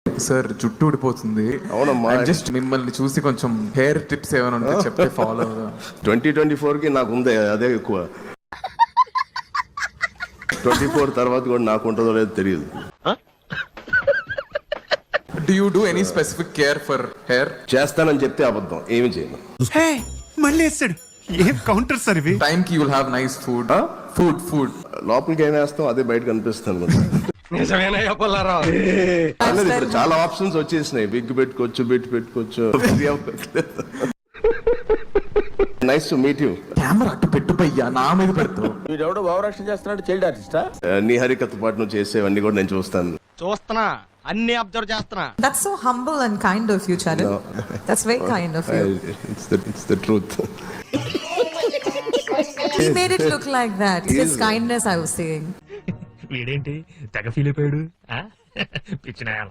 Sir జుట్టు ఊడిపోతుంది. అవునమ్మా. జస్ట్ మిమ్మల్ని చూసి కొంచెం హెయిర్ టిప్స్ ఏమైనా ఉంటే చెప్తే ఫాలో. 2024కి నాకు ఉంది అదే ఎక్కువ. 24 తర్వాత కూడా నాకు ఉంటుందో లేదో తెలియదు. Do you do any specific care for hair? చేస్తానని చెప్తే అబద్ధం, ఏమి చేయను. మళ్ళీ వేస్తాడు. ఏం కౌంటర్ సార్ ఇవి? Time ki you'll have nice food. Food. లోపలికి ఏం వేస్తాం అదే బయట కనిపిస్తాను. ఇప్పుడు చాలా ఆప్షన్స్ వచ్చేసినాయి. బిగ్ పెట్టుకోవచ్చు, బిట్ పెట్టుకోవచ్చు. Nice to meet you. Camera అట్టు పెట్టు పయ్యా, నా మీద పెడతావు. వీడెవడో భావరక్షణ చేస్తున్నాడు, చైల్డ్ ఆర్టిస్టా? నీ హరికథ పాటు నువ్వు చేసేవన్నీ కూడా నేను చూస్తున్నా, అన్ని అబ్జర్వ్ చేస్తున్నా. That's so humble and kind of you, Charan. No. That's very kind of you. It's the truth. He made it look like that. It's just kindness I was saying. వీడేంటి తెగ ఫీల్ అయిపోయాడు? పిచ్చిన